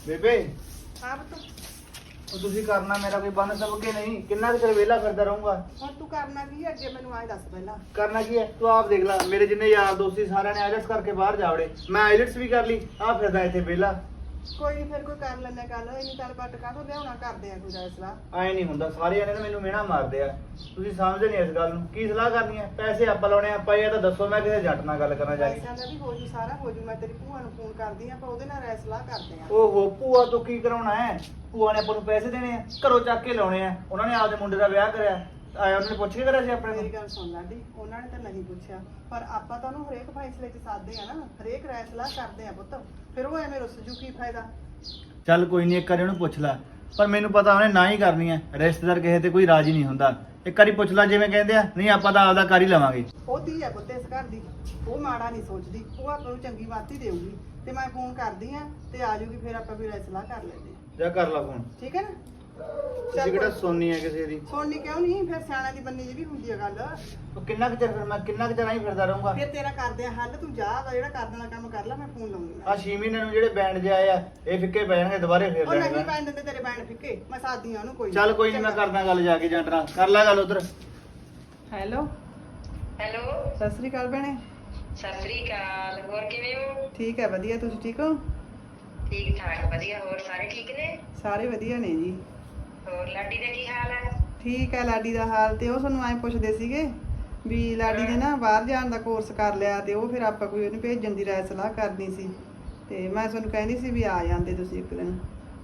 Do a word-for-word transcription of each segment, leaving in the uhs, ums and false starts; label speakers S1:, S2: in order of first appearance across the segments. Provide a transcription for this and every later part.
S1: ਬੇਬੇ
S2: ਹਾਂ ਪੁੱਤ,
S1: ਉਹ ਤੁਸੀਂ ਕਰਨਾ ਮੇਰਾ ਕੋਈ ਬੰਨ ਸਭ ਕੇ ਨਹੀਂ, ਕਿੰਨਾ ਕੁ ਚਿਰ ਵਿਹਲਾ ਫਿਰਦਾ ਰਹੂੰਗਾ।
S2: ਹੁਣ ਤੂੰ ਕਰਨਾ ਕੀ ਹੈ ਅੱਗੇ ਮੈਨੂੰ ਆਏ ਦੱਸ ਪਹਿਲਾਂ।
S1: ਕਰਨਾ ਕੀ ਹੈ ਤੂੰ ਆਪ ਦੇਖ ਲੈ, ਮੇਰੇ ਜਿੰਨੇ ਯਾਰ ਦੋਸਤੀ ਸਾਰਿਆਂ ਨੇ ਆਇਲਟਸ ਕਰਕੇ ਬਾਹਰ ਜਾ ਵੜੇ, ਮੈਂ ਆਇਲਟਸ ਵੀ ਕਰ ਲਈ, ਆ ਫਿਰਦਾ ਇੱਥੇ ਵਿਹਲਾ।
S2: ਕੋਈ ਨਹੀਂ ਫਿਰ ਕੋਈ ਕਰ ਲੈਂਦਾ ਗੱਲ, ਇੰਨੀ ਗੱਲ ਬੱਟ ਕਾਹਤੋਂ ਲਿਆਉਣਾ, ਕਰਦੇ ਆ ਕੋਈ ਦਾ ਸਲਾਹ।
S1: ਐ ਨਹੀਂ ਹੁੰਦਾ, ਸਾਰੇ ਜਣੇ ਨਾ ਮੈਨੂੰ ਮਿਹਣਾ ਮਾਰਦੇ ਆ, ਤੁਸੀਂ ਸਮਝਦੇ ਨਹੀਂ ਇਸ ਗੱਲ ਨੂੰ। ਕੀ ਸਲਾਹ ਕਰਨੀ ਹੈ? ਪੈਸੇ ਆਪਾਂ ਲਾਉਣੇ ਆ, ਆਪਾਂ ਇਹ ਤਾਂ ਦੱਸੋ, ਮੈਂ ਕਿਸੇ ਜੱਟ ਨਾਲ ਗੱਲ ਕਰਨਾ ਜਾ ਕੇ।
S2: ਪੈਸਿਆਂ ਦਾ ਵੀ ਹੋ ਜੂ, ਸਾਰਾ ਹੋ ਜੂ। ਮੈਂ ਤੇਰੀ ਭੂਆ ਨੂੰ ਫੋਨ ਕਰਦੀ ਆ, ਆਪਾਂ ਉਹਦੇ ਨਾਲ ਰਾਏ ਸਲਾਹ ਕਰਦੇ ਆ।
S1: ਓਹੋ, ਭੂਆ ਤੋਂ ਕੀ ਕਰਾਉਣਾ ਹੈ? ਭੂਆ ਨੇ ਆਪਾਂ ਨੂੰ ਪੈਸੇ ਦੇਣੇ ਆ, ਘਰੋਂ ਚੱਕ ਕੇ ਲਾਉਣੇ ਆ। ਉਹਨਾਂ ਨੇ ਆਪਦੇ ਮੁੰਡੇ ਦਾ ਵਿਆਹ ਕਰਿਆ, ਆਇਆ ਉਹਨਾਂ ਨੇ ਪੁੱਛ ਕੇ ਕਰਿਆ ਸੀ ਆਪਣੇ
S2: ਮੇਰੀ
S1: ਤੋਂ।
S2: ਗੱਲ ਸੁਣ ਲਾਡੀ, ਉਹਨਾਂ ਨੇ ਤਾਂ ਨਹੀਂ ਪੁੱਛਿਆ, ਪਰ ਆਪਾਂ ਤਾਂ ਉਹਨੂੰ ਹਰੇਕ ਫੈਸਲੇ 'ਚ ਸਾਧਦੇ ਆ ਨਾ, ਹਰੇਕ ਰਾਏ ਸਲਾਹ ਕਰਦੇ ਆ ਪੁੱਤ। ਫਿਰ ਉਹ ਐਵੇਂ ਰੁੱਸ ਜੂ, ਕੀ ਫਾਇਦਾ।
S1: ਚੱਲ ਕੋਈ ਨਹੀਂ, ਇੱਕ ਵਾਰੀ ਉਹਨੂੰ ਪੁੱਛ ਲੈ, ਪਰ ਮੈਨੂੰ ਪਤਾ ਉਹਨੇ ਨਾ ਹੀ ਕਰਨੀ ਹੈ। ਰਿਸ਼ਤੇਦਾਰ ਕਿਸੇ ਤੇ ਕੋਈ ਰਾਜੀ ਨਹੀਂ ਹੁੰਦਾ। ਇੱਕ ਵਾਰੀ ਪੁੱਛ ਲੈ ਜਿਵੇਂ ਕਹਿੰਦੇ ਆ, ਨਹੀਂ ਆਪਾਂ ਤਾਂ ਆਪਦਾ ਕਰ ਹੀ ਲਵਾਂਗੇ।
S2: ਉਹ ਧੀ ਆ ਪੁੱਤ ਇਸ ਘਰ ਦੀ, ਉਹ ਮਾੜਾ ਨਹੀਂ ਸੋਚਦੀ, ਉਹ ਆਪਾਂ ਨੂੰ ਚੰਗੀ ਬਾਤ ਹੀ ਦੇਊਗੀ। ਤੇ ਮੈਂ ਫੋਨ ਕਰਦੀ ਆ ਤੇ ਆ ਜੂਗੀ, ਫਿਰ ਆਪਾਂ ਵੀ ਰਾਏ ਸਲਾਹ ਕਰ ਲੈਂਦੇ ਆ।
S1: ਜਾ ਕਰ ਲਾ ਫੋਨ।
S2: ਠੀਕ ਹੈ ਨਾ?
S1: ਤੁਸੀਂ ਕਿਹੜਾ ਸੁਣਨੀ ਹੈ ਕਿਸੇ ਦੀ?
S2: ਸੁਣਨੀ ਕਿਉਂ ਨਹੀਂ, ਫਿਰ ਸਿਆਣਾ ਦੀ ਬੰਨੀ ਜੀ ਵੀ ਹੁੰਦੀ ਆ ਗੱਲ।
S1: ਉਹ ਕਿੰਨਾ ਕੁ ਚਿਰ ਫਿਰ ਮੈਂ ਕਿੰਨਾ ਕੁ ਚਿਰ ਨਹੀਂ ਫਿਰਦਾ ਰਹੂੰਗਾ।
S2: ਫਿਰ ਤੇਰਾ ਕਰਦੇ ਆ ਹੱਲ, ਤੂੰ ਜਾ ਵਾ ਜਿਹੜਾ ਕਰ ਦੇਣਾ ਕੰਮ ਕਰ ਲੈ, ਮੈਂ ਫੋਨ ਲਾਉਂਗੀ।
S1: ਆ ਛੇ ਮਹੀਨੇ ਨੂੰ ਜਿਹੜੇ ਬੈਂਡ ਜੇ ਆਏ ਆ, ਇਹ ਫਿੱਕੇ ਪੈ ਜਾਣਗੇ, ਦੁਬਾਰੇ ਫੇਰ
S2: ਉਹ ਨਹੀਂ
S1: ਲੈਣਗੇ।
S2: ਪੈਣ ਦਿੰਦੇ ਤੇਰੇ ਬੈਂਡ ਫਿੱਕੇ, ਮੈਂ ਸਾਦੀ ਆ ਉਹਨੂੰ। ਕੋਈ
S1: ਚੱਲ ਕੋਈ ਨਹੀਂ, ਮੈਂ ਕਰਦਾ ਗੱਲ ਜਾ ਕੇ ਜੰਟਰਾ, ਕਰ ਲੈ ਗੱਲ ਉਧਰ।
S2: ਹੈਲੋ
S3: ਹੈਲੋ,
S2: ਸਤਿ ਸ੍ਰੀ ਅਕਾਲ ਭੈਣੇ।
S3: ਸਤਿ ਸ੍ਰੀ ਅਕਾਲ। ਹੋਰ ਕਿਵੇਂ ਹੋ?
S2: ਠੀਕ ਹੈ, ਵਧੀਆ। ਤੁਸੀਂ ਠੀਕ ਹੋ?
S3: ਠੀਕ ਠਾਕ, ਵਧੀਆ। ਹੋਰ ਸਾਰੇ ਠੀਕ ਨੇ?
S2: ਸਾਰੇ ਵਧੀਆ ਨੇ ਜੀ।
S3: ਹੋਰ ਲਾਡੀ ਦਾ ਕੀ ਹਾਲ ਹੈ?
S2: ਠੀਕ ਹੈ ਲਾਡੀ ਦਾ ਹਾਲ। ਤੇ ਉਹ ਸਾਨੂੰ ਐਂ ਪੁੱਛਦੇ ਸੀਗੇ ਵੀ ਲਾਡੀ ਨੇ ਨਾ ਬਾਹਰ ਜਾਣ ਦਾ ਕੋਰਸ ਕਰ ਲਿਆ, ਤੇ ਉਹ ਫਿਰ ਆਪਾਂ ਕੋਈ ਉਹਨੂੰ ਭੇਜਣ ਦੀ ਰਾਏ ਸਲਾਹ ਕਰਨੀ ਸੀ। ਤੇ ਮੈਂ ਤੁਹਾਨੂੰ ਕਹਿੰਦੀ ਸੀ ਵੀ ਆ ਜਾਂਦੇ ਤੁਸੀਂ ਇੱਕ ਦਿਨ।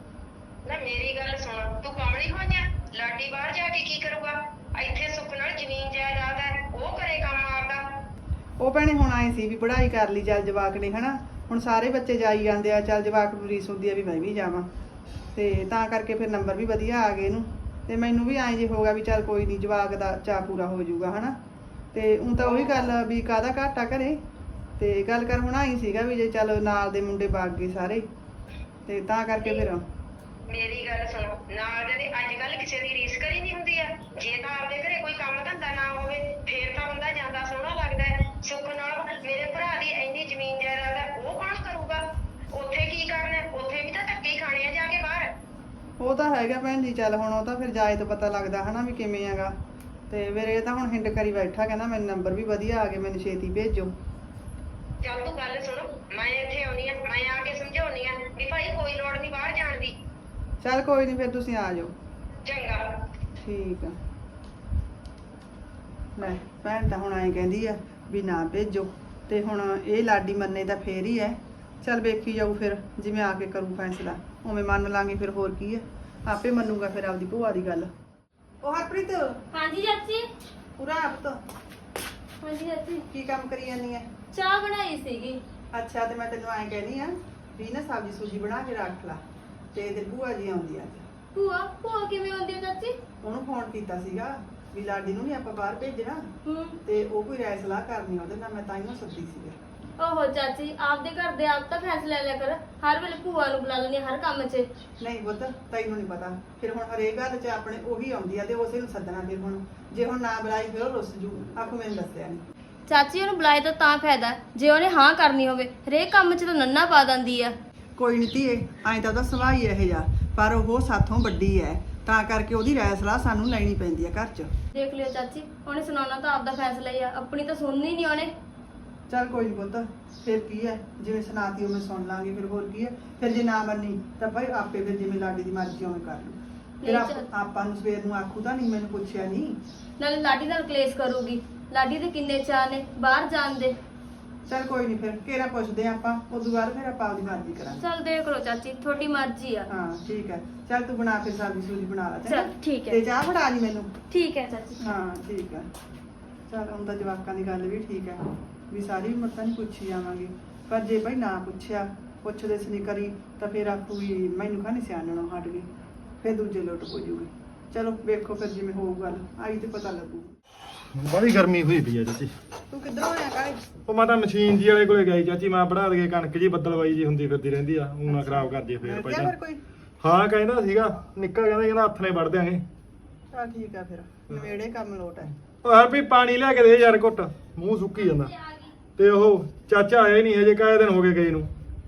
S3: ਨਾ ਮੇਰੀ ਗੱਲ ਸੁਣ, ਤੂੰ ਕਮਲੀ ਹੋਈਆਂ? ਲਾਡੀ ਬਾਹਰ ਜਾ ਕੇ ਕੀ ਕਰੂਗਾ? ਇੱਥੇ ਸੁੱਖ ਨਾਲ ਜ਼ਮੀਨ ਜਾਇਦਾਦ ਹੈ, ਉਹ ਕਰੇ ਕੰਮ ਆਪਦਾ।
S2: ਉਹ ਭੈਣੇ ਹੁਣ ਆਏ ਸੀ ਵੀ ਪੜ੍ਹਾਈ ਕਰ ਲਈ ਚੱਲ ਜਵਾਕ ਨੇ, ਹਨਾ। ਹੁਣ ਸਾਰੇ ਬੱਚੇ ਜਾਈ ਜਾਂਦੇ ਆ, ਚੱਲ ਜਵਾਕ ਨੂੰ ਰੀਸ ਹੁੰਦੀ ਆ ਵੀ ਮੈਂ ਵੀ ਜਾਵਾਂ, ਤੇ ਤਾਂ ਕਰਕੇ ਫਿਰ ਨੰਬਰ ਵੀ ਵਧੀਆ ਆ ਗਏ ਇਹਨੂੰ। ਤੇ ਮੈਨੂੰ ਵੀ ਐਂ ਜੇ ਹੋਗਾ ਵੀ ਚੱਲ ਕੋਈ ਨਹੀਂ, ਜਵਾਕ ਦਾ ਚਾਅ ਪੂਰਾ ਹੋ ਜਾਊਗਾ, ਹਨਾ। ਤੇ ਹੁਣ ਤਾਂ ਉਹੀ ਗੱਲ ਵੀ ਕਾਹਦਾ ਘਾਟਾ ਘਰੇ। ਤੇ ਗੱਲ ਕਰ ਹੁਣ ਆਈ ਸੀਗਾ ਵੀ ਜੇ ਚੱਲ ਨਾਲ ਦੇ ਮੁੰਡੇ ਬਾਗ ਗਏ ਸਾਰੇ, ਤੇ ਤਾਂ ਕਰਕੇ ਫਿਰ।
S3: ਮੇਰੀ ਗੱਲ ਸੁਣ, ਨਾਲ ਦੇ ਅੱਜ ਕੱਲ ਕਿਸੇ ਦੀ ਰੀਸ ਕਰੀ ਨਹੀਂ ਹੁੰਦੀ ਆ। ਜੇ ਤਾਂ ਆਪਦੇ ਘਰੇ ਕੋਈ ਕੰਮ ਧੰਦਾ ਨਾ ਹੋਵੇ, ਫੇਰ ਤਾਂ ਬੰਦਾ ਜਾਂਦਾ ਸੋਹਣਾ ਲੱਗਦਾ ਹੈ। ਸੁੱਖ ਨਾਲ ਮੇਰੇ ਭਰਾ ਦੀ ਇੰਨੀ ਜ਼ਮੀਨ ਜਾਇਦਾਦ ਹੈ, ਉਹ ਕੌਣ ਕਰੂਗਾ? ਉੱਥੇ ਕੀ ਕਰਨਾ? ਉੱਥੇ ਵੀ ਤਾਂ ਧੱਕੇ ਹੀ ਖਾਣੇ ਆ ਜਾ ਕੇ ਬਾਹਰ।
S2: ਉਹ ਤਾਂ ਹੈਗਾ ਭੈਣ ਜੀ, ਚੱਲ ਹੁਣ ਉਹ ਤਾਂ ਫਿਰ ਜਾਏ ਤਾਂ ਪਤਾ ਲੱਗਦਾ ਹਨਾ ਵੀ ਕਿਵੇਂ ਹੈਗਾ। ਤੇ ਮੇਰੇ ਤਾਂ ਹੁਣ ਹਿੰਡ ਕਰੀ ਬੈਠਾ, ਕਹਿੰਦਾ ਮੈਨੂੰ ਨੰਬਰ ਵੀ ਵਧੀਆ ਆ ਗਏ, ਮੈਨੂੰ ਛੇਤੀ ਭੇਜੋ।
S3: ਚੱਲ ਤੂੰ ਗੱਲ ਸੁਣ, ਮੈਂ ਇੱਥੇ ਆਉਣੀ ਆ, ਮੈਂ ਆ ਕੇ ਸਮਝਾਉਣੀ ਆ ਵੀ ਭਾਈ ਕੋਈ ਲੋੜ ਨਹੀਂ ਬਾਹਰ ਜਾਣ ਦੀ।
S2: ਚੱਲ ਕੋਈ ਨਹੀਂ, ਫਿਰ ਤੁਸੀਂ ਆ ਜਾਓ।
S3: ਚੰਗਾ।
S2: ਠੀਕ ਆ। ਲੈ ਭੈਣ ਤਾਂ ਹੁਣ ਐਂ ਕਹਿੰਦੀ ਆ ਵੀ ਨਾ ਭੇਜੋ, ਤੇ ਹੁਣ ਇਹ ਲਾਡੀ ਮੰਨੇ ਤਾਂ ਫੇਰ ਹੀ ਹੈ। ਚੱਲ ਵੇਖੀ ਜਾਊ ਫਿਰ, ਜਿਵੇਂ ਆ ਕੇ ਕਰੂ ਫੈਸਲਾ ਉਵੇਂ ਮੰਨ ਲਾਂਗੇ। ਫਿਰ ਹੋਰ ਕੀ ਹੈ, ਆਪੇ ਮੰਨੂਗਾ ਫਿਰ ਆਪਦੀ ਭੂਆ ਦੀ ਗੱਲ। ਉਹ ਹਰਪ੍ਰੀਤ,
S4: ਹਾਂਜੀ ਚਾਚੀ।
S2: ਪੂਰਾ ਆਪ ਤਾਂ
S4: ਹਾਂਜੀ ਚਾਚੀ,
S2: ਕੀ ਕੰਮ ਕਰੀ ਜਾਂਦੀ ਹੈ?
S4: ਚਾਹ ਬਣਾਈ ਸੀਗੀ।
S2: ਅੱਛਾ, ਤੇ ਮੈਂ ਤੈਨੂੰ ਐਂ ਕਹਿੰਦੀ ਆ ਵੀ ਨਾ ਸਬਜ਼ੀ ਸੂਜੀ ਬਣਾ ਕੇ ਰੱਖ ਲਾ, ਤੇ ਤੇ ਭੂਆ ਜੀ ਆਉਂਦੀ ਆ।
S4: ਭੂਆ ਭੂਆ ਕਿਵੇਂ ਆਉਂਦੀ ਆ ਚਾਚੀ?
S2: ਉਹਨੂੰ ਫੋਨ ਕੀਤਾ ਸੀਗਾ ਵੀ ਲਾਡੀ ਨੂੰ ਨਹੀਂ ਆਪਾਂ ਬਾਹਰ ਭੇਜਣਾ,
S4: ਹੂੰ।
S2: ਤੇ ਉਹ ਕੋਈ ਰਾਏ ਸਲਾਹ ਕਰਨੀ ਉਹਦੇ ਨਾਲ, ਮੈਂ ਤਾਂ ਹੀ ਸੱਦੀ ਸੀਗਾ।
S4: ਓਹੋ ਚਾਚੀ, ਆਪਦੇ ਘਰ ਦੇ ਆਪ ਤਾਂ ਫੈਸਲਾ ਲੈ ਕਰ। ਹਰ ਵੇਲੇ ਭੂਆ ਨੂੰ ਬੁਲਾ ਲੈਂਦੀ ਹਰ ਕੰਮ 'ਚ।
S2: ਨਹੀਂ ਪੁੱਤ, ਤੈਨੂੰ ਨਹੀਂ ਪਤਾ। ਫਿਰ ਹੁਣ ਹਰੇਕ ਗੱਲ 'ਚ ਆਪਣੇ ਉਹੀ ਆਉਂਦੀ ਆ, ਤੇ ਉਸੇ ਨੂੰ ਸੱਦਣਾ। ਫਿਰ ਹੁਣ ਜੇ ਹੁਣ ਨਾ ਬੁਲਾਈ ਫਿਰ ਉਹ ਰੁੱਸ ਜੂ, ਆਖੂ ਮੈਨੂੰ ਦੱਸਿਆ ਨਹੀਂ।
S4: ਚਾਚੀ ਉਹਨੂੰ ਬੁਲਾਏ ਤਾਂ ਤਾਂ ਫਾਇਦਾ ਜੇ ਉਹਨੇ ਹਾਂ ਕਰਨੀ ਹੋਵੇ, ਹਰੇਕ ਕੰਮ 'ਚ ਤਾਂ ਨੰਨਾ ਪਾ ਦਿੰਦੀ ਆ।
S2: ਕੋਈ ਨਹੀਂ ਧੀਏ, ਐਂ ਤਾਂ ਉਹਦਾ ਸੁਭਾਅ ਹੀ ਇਹੋ ਜਿਹਾ, ਪਰ ਉਹ ਸਾਥੋਂ ਵੱਡੀ ਹੈ, ਤਾਂ ਕਰਕੇ ਉਹਦੀ ਰਾਏ ਸਲਾਹ ਸਾਨੂੰ ਲੈਣੀ ਪੈਂਦੀ ਆ ਘਰ 'ਚ।
S4: ਦੇਖ ਲਿਓ ਚਾਚੀ, ਉਹਨੇ ਸੁਣਾਉਣਾ ਤਾਂ ਆਪਦਾ ਫੈਸਲਾ ਹੀ ਆ, ਆਪਣੀ ਤਾਂ ਸੁਣਨੀ ਨਹੀਂ ਉਹਨੇ।
S2: ਚੱਲ ਕੋਈ ਨਹੀਂ ਪੁੱਤ, ਫਿਰ ਕੀ ਹੈ, ਜਿਵੇਂ ਸੁਣਾਤੀ ਉਵੇਂ ਸੁਣ ਲਾਂਗੇ। ਫਿਰ ਹੋਰ ਕੀ ਹੈ, ਫਿਰ ਜੇ ਨਾ ਮੰਨੀ ਤਾਂ ਭਾਈ ਆਪੇ ਫਿਰ ਜਿਵੇਂ ਲਾਡੀ ਦੀ ਮਰਜ਼ੀ ਉਵੇਂ ਕਰ ਲੂ। ਫਿਰ ਆਪ- ਆਪਾਂ ਨੂੰ ਸਵੇਰ ਨੂੰ ਆਖੂ ਤਾਂ ਨਹੀਂ ਮੈਨੂੰ ਪੁੱਛਿਆ ਨਹੀਂ।
S4: ਨਾਲੇ ਲਾਡੀ ਨਾਲ ਕਲੇਸ਼ ਕਰੂਗੀ। ਲਾਡੀ ਦੇ ਕਿੰਨੇ ਚਾਅ ਨੇ ਬਾਹਰ ਜਾਣ ਦੇ।
S2: ਚੱਲ ਕੋਈ ਨਹੀਂ, ਫਿਰ ਕਿਹੜਾ ਪੁੱਛਦੇ ਆਪਾਂ, ਉਦੋਂ ਬਾਅਦ ਫਿਰ ਆਪਾਂ ਆਪਦੀ ਮਰਜ਼ੀ ਕਰਾਂਗੇ।
S4: ਚੱਲ ਦੇਖ ਲਓ ਚਾਚੀ, ਤੁਹਾਡੀ ਮਰਜ਼ੀ ਆ।
S2: ਹਾਂ ਠੀਕ ਹੈ, ਚੱਲ ਤੂੰ ਬਣਾ ਕੇ ਸਬਜ਼ੀ ਸੂਜੀ ਬਣਾ ਲੈ।
S4: ਚੱਲ ਠੀਕ
S2: ਤੇ
S4: ਹੈ।
S2: ਚਾਹ ਫੜਾ ਜੀ ਮੈਨੂੰ।
S4: ਠੀਕ ਹੈ ਚਾਚੀ।
S2: ਹਾਂ ਠੀਕ ਹੈ। ਚੱਲ ਹੁਣ ਤਾਂ ਜਵਾਕਾਂ ਦੀ ਗੱਲ ਵੀ ਠੀਕ ਹੈ ਵੀ ਸਾਰੀ ਉਮਰ ਤਾਂ ਨਹੀਂ ਪੁੱਛੀ ਜਾਵਾਂਗੇ, ਪਰ ਜੇ ਭਾਈ ਨਾ ਪੁੱਛਿਆ, ਪੁੱਛਦੇ ਸੀ ਨਹੀਂ ਕਰੀ, ਤਾਂ ਫਿਰ ਆਪੂ ਵੀ ਮੈਨੂੰ ਖਾਣੀ ਸਿਆਣਨੋਂ ਹਟ ਗਈ, ਫਿਰ ਦੂਜੇ ਲੁੱਟ ਹੋ ਜੂਗੀ। ਚਲੋ ਵੇਖੋ ਫਿਰ ਜਿਵੇਂ ਹੋਊ ਗੱਲ, ਆਈ ਤੇ ਪਤਾ ਲੱਗੂ।
S5: ਬੜੀ ਗਰਮੀ ਹੋਈ ਪਈ ਆ ਚਾਚੀ।
S2: ਤੂੰ ਕਿੱਧਰੋਂ ਆਇਆ ਕਾਲੇ?
S5: ਉਹ ਮੈਂ ਤਾਂ ਮਸ਼ੀਨ ਜੀ ਵਾਲੇ ਕੋਲੇ ਗਈ ਚਾਚੀ, ਮੈਂ ਬਣਾ ਦੇ ਕਣਕ ਜੀ ਬੱਦਲਵਾਈ ਜੀ ਹੁੰਦੀ ਫਿਰਦੀ ਰਹਿੰਦੀ ਆ, ਉਹ ਨਾ ਖਰਾਬ ਕਰ ਜੇ ਫੇਰ ਪਹਿਲਾਂ।
S2: ਫਿਰ ਕੋਈ
S5: ਹਾਂ ਕਹਿੰਦਾ ਸੀਗਾ, ਨਿੱਕਾ ਕਹਿੰਦਾ ਕਹਿੰਦਾ ਹੱਥ ਨੇ ਵੜ ਦਿਆਂਗੇ।
S2: ਚੱਲ ਠੀਕ ਆ, ਫਿਰ ਨਵੇੜੇ ਕੰਮ ਲੋਟ ਹੈ।
S5: ਉਹ ਹਰ ਵੀ ਪਾਣੀ ਲਿਆ ਕੇ ਦੇ ਯਾਰ ਘੁੱਟ, ਮੂੰਹ ਸੁੱਕੀ ਜਾਂਦਾ। ਤੇ ਉਹ ਚਾਚਾ ਆਇਆ ਹੀ ਨਹੀਂ ਹਜੇ, ਕਾਹੇ ਦਿਨ ਹੋ ਗਏ ਗਏ ਨੂੰ।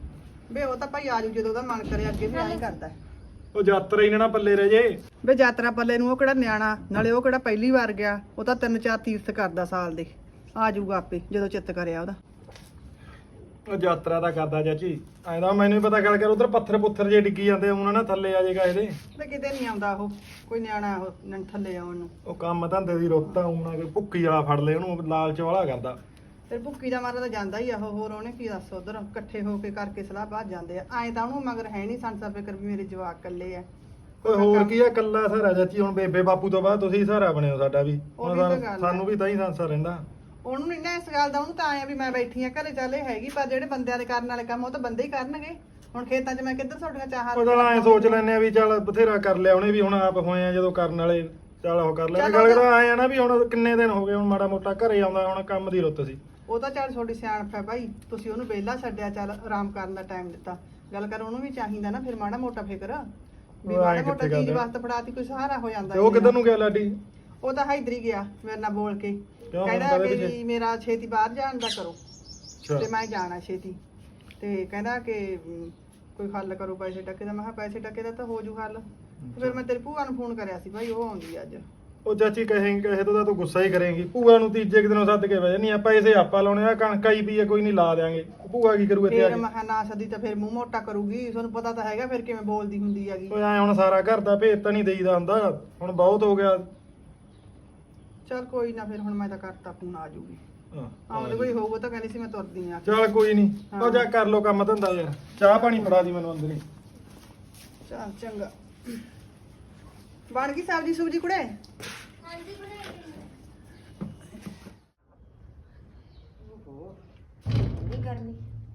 S2: ਵੇ ਉਹ ਤਾਂ ਭਾਈ ਆਜੂ ਜਦੋਂ ਉਹਦਾ ਮਨ ਕਰੇ ਅੱਗੇ ਵੀ ਐਂ ਕਰਦਾ
S5: ਉਹ ਯਾਤਰਾ ਹੀ ਨਾ ਪੱਲੇ ਰਹਿ ਜੇ।
S2: ਵੇ ਯਾਤਰਾ ਪੱਲੇ ਨੂੰ ਉਹ ਕਿਹੜਾ ਨਿਆਣਾ, ਨਾਲੇ ਉਹ ਕਿਹੜਾ ਪਹਿਲੀ ਵਾਰ ਗਿਆ, ਉਹ ਤਾਂ ਤਿੰਨ ਚਾਰ ਤੀਰਥ ਕਰਦਾ ਸਾਲ ਦੇ। ਆ ਜਾਊਗਾ ਆਪੇ ਜਦੋਂ ਚਿੱਤ ਕਰਿਆ ਉਹਦਾ।
S5: ਉਹ ਯਾਤਰਾ ਤਾਂ ਕਰਦਾ ਚਾਚੀ, ਐਂਦਾ ਮੈਨੂੰ ਵੀ ਪਤਾ ਗੱਲ ਕਰ ਉਧਰ ਪੱਥਰ ਪੁੱਥਰ ਜੇ ਡਿੱਗੀ ਜਾਂਦੇ ਉਹਨਾਂ ਨਾ ਥੱਲੇ ਆ ਜਾਏਗਾ ਇਹਦੇ।
S2: ਵੇ ਕਿਤੇ ਨਹੀਂ ਆਉਂਦਾ ਉਹ, ਕੋਈ ਨਿਆਣਾ ਉਹ ਨ- ਥੱਲੇ ਆਉਣ ਨੂੰ।
S5: ਉਹ ਕੰਮ ਧੰਦੇ ਦੀ ਰੁੱਤ ਆ, ਉਹਨਾਂ ਕੋਈ ਭੁੱਕੀ ਵਾਲਾ ਫੜ ਲੇ ਉਹਨੂੰ, ਲਾਲਚ ਵਾਲਾ ਕਰਦਾ।
S2: ਤੇ ਭੁੱਕੀ ਦਾ ਮਾਰਾ ਤਾਂ ਜਾਂਦਾ ਹੀ ਆ ਉਹ, ਹੋਰ ਉਹਨੇ ਕੀ ਦੱਸ ਉਧਰ ਇਕੱਠੇ ਹੋ ਕੇ ਕਰਕੇ ਸਲਾਹ ਬਾਅਦ ਜਾਂਦੇ ਆ। ਐਂ ਤਾਂ ਉਹਨੂੰ ਮਗਰ ਹੈ ਨਹੀਂ ਸੰਸਾ ਫਿਕਰ ਵੀ ਮੇਰੇ ਜਵਾਕ ਇਕੱਲੇ ਆ।
S5: ਓਏ ਹੋਰ ਕੀ ਆ, ਕੱਲਾ ਸਹਾਰਾ ਚਾਚੀ। ਹੁਣ ਬੇਬੇ ਬਾਪੂ ਤੋਂ ਬਾਅਦ ਤੁਸੀਂ ਸਹਾਰਾ ਬਣਿਓ ਸਾਡਾ ਵੀ।
S2: ਉਹ
S5: ਹੁਣ
S2: ਵੀ ਤਾਂ
S5: ਸਾਨੂੰ-
S2: ਗੱਲ ਆ।
S5: ਸਾਨੂੰ ਵੀ ਤਾਂ ਹੀ ਸੰਸਾ ਰਹਿੰਦਾ।
S2: ਉਹਨੂੰ ਨਹੀਂ ਨਾ ਇਸ ਗੱਲ ਦਾ, ਉਹਨੂੰ ਤਾਂ ਆਇਆ ਵੀ ਮੈਂ ਬੈਠੀ ਆ ਘਰੇ, ਚੱਲੇ ਹੈਗੀ, ਪਰ ਜਿਹੜੇ ਬੰਦਿਆਂ ਦੇ ਕਰਨ ਵਾਲੇ ਕੰਮ ਉਹ ਤਾਂ ਬੰਦੇ ਹੀ ਕਰਨਗੇ। ਹੁਣ ਖੇਤਾਂ 'ਚ ਮੈਂ ਕਿੱਧਰ ਤੁਹਾਡੀਆਂ ਚਾਹਾਂ
S5: ਉਹ ਚੱਲ ਐਂ ਸੋਚ ਲੈਨੇ ਆ ਵੀ ਚੱਲ ਬਥੇਰਾ ਕਰ ਲਿਆ ਉਹਨੇ ਵੀ, ਹੁਣ ਆਪ ਹੋਏ ਆ ਜਦੋਂ ਕਰਨ ਵਾਲੇ, ਚੱਲ ਉਹ ਕਰ ਲੈਣੇ।
S2: ਚੱਲ
S5: ਗੱਲ
S2: ਉਹ
S5: ਤਾਂ ਐਂ ਆ ਨਾ ਵੀ ਹੁਣ ਕਿੰਨੇ ਦਿਨ ਹੋ ਗਏ, ਹੁਣ ਮਾੜਾ ਮੋਟਾ ਘਰੇ ਆਉਂਦਾ, ਹੁਣ ਕੰਮ ਦੀ ਰੁੱਤ ਸੀ।
S2: ਉਹ ਤਾਂ ਚੱਲ ਤੁਹਾਡੀ ਸਿਆਣਪ ਹੈ ਭਾਈ, ਤੁਸੀਂ ਉਹਨੂੰ ਵਿਹਲਾ ਛੱਡਿਆ, ਚੱਲ ਆਰਾਮ ਕਰਨ ਦਾ ਟਾਈਮ ਦਿੱਤਾ। ਗੱਲ ਕਰ ਉਹਨੂੰ ਵੀ ਚਾਹੀਦਾ ਨਾ ਫਿਰ ਮਾੜਾ ਮੋਟਾ ਫਿਕਰ ਵੀ
S5: ਉਹ ਐਂ
S2: ਮਾੜਾ ਮੋਟਾ
S5: ਕਿੱਥੇ
S2: ਚੀਜ਼
S5: ਕਰਦੇ?
S2: ਵਾਸਤੇ ਫੜਾਤੀ ਕੋਈ ਸਹਾਰਾ ਹੋ ਜਾਂਦਾ।
S5: ਤੇ ਉਹ ਕਿੱਧਰ ਨੂੰ ਗਿਆ ਲਾਡੀ?
S2: ਉਹ ਤਾਂ ਇੱਧਰ ਹੀ ਗਿਆ ਮੇਰੇ ਨਾਲ ਬੋਲ ਕੇ,
S5: ਕਿਉਂ?
S2: ਕਹਿੰਦਾ
S5: ਹੁਣ
S2: ਕਿ
S5: ਕਾਹਦੇ
S2: ਵੀ ਮੇਰਾ ਛੇਤੀ ਬਾਹਰ ਜਾਣ ਦਾ ਕਰੋ
S5: ਅੱਛਾ।
S2: ਤੇ ਮੈਂ ਜਾਣਾ ਛੇਤੀ। ਤੇ ਕਹਿੰਦਾ ਕਿ ਅਮ, ਕੋਈ ਹੱਲ ਕਰੋ ਪੈਸੇ ਟੱਕੇ ਦਾ। ਮੈਂ ਕਿਹਾ ਪੈਸੇ ਟੱਕੇ ਦਾ ਤਾਂ ਹੋ ਜੂ ਹੱਲ। ਤੇ ਫਿਰ ਮੈਂ ਤੇਰੀ ਭੂਆ ਨੂੰ ਫੋਨ ਕਰਿਆ ਸੀ ਭਾਈ, ਉਹ ਆਉਂਦੀ ਆ ਅੱਜ।
S5: ਉਹ ਚਾਚੀ ਕਹੇਂਗੇ ਕਹੇ ਤੋਂ ਤਾਂ ਤੂੰ ਗੁੱਸਾ ਹੀ ਕਰੇਂਗੀ। ਭੂਆ ਨੂੰ ਤੀਜੇ ਕੁ ਦਿਨੋਂ ਸੱਦ ਕੇ ਬਹਿ ਨਹੀਂ, ਆਪਾਂ ਇਸੇ ਆਪਾਂ ਲਾਉਣੇ ਆ, ਕਣਕਾਂ ਹੀ ਪਈ ਆ, ਕੋਈ ਨਹੀਂ ਲਾ ਦਿਆਂਗੇ। ਭੂਆ ਕੀ ਕਰੂ ਇੱਥੇ ਆ
S2: ਫਿਰ
S5: ਕੇ?
S2: ਮੈਂ ਕਿਹਾ ਨਾ ਸਦੀ ਤਾਂ ਫਿਰ ਮੂੰਹ ਮੋਟਾ ਕਰੂਗੀ, ਤੁਹਾਨੂੰ ਪਤਾ ਤਾਂ ਹੈਗਾ ਫਿਰ ਕਿਵੇਂ ਬੋਲਦੀ ਹੁੰਦੀ ਹੈਗੀ।
S5: ਓਏ ਐ ਹੁਣ ਸਾਰਾ ਘਰ ਦਾ ਭੇਤ ਤਾਂ ਨਹੀਂ ਦੇਈਦਾ ਹੁੰਦਾ, ਹੁਣ ਬਹੁਤ ਹੋ ਗਿਆ।
S2: ਚਲ ਕੋਈ ਨਾ, ਫਿਰ ਹੁਣ ਮੈਂ ਤਾਂ ਕਰਤਾ ਫੋਨ, ਆ ਜੂਗੀ।
S5: ਹਾਂ,
S2: ਆਉਂਦੇ ਕੋਈ ਹੋਊਗਾ ਤਾਂ ਕਹਿੰਦੀ ਸੀ ਮੈਂ ਤੁਰਦੀ ਆ।
S5: ਚੱਲ ਕੋਈ ਨਹੀਂ,
S2: ਹਾਂ।
S5: ਉਹ ਜਾ ਕਰ ਲੋ ਕੰਮ ਧੰਦਾ ਯਾਰ। ਚਾਹ ਪਾਣੀ ਫੜਾ ਦੀ ਮੈਨੂੰ ਅੰਦਰ ਹੀ।
S2: ਚਲ ਚੰਗਾ। ਬਣ ਗਈ ਸਬਜ਼ੀ ਸੁਬਜੀ ਕੁੜੇ?
S4: ਹਾਂਜੀ ਬਣਾਈ।
S6: ਨਹੀਂ ਕਰਨੀ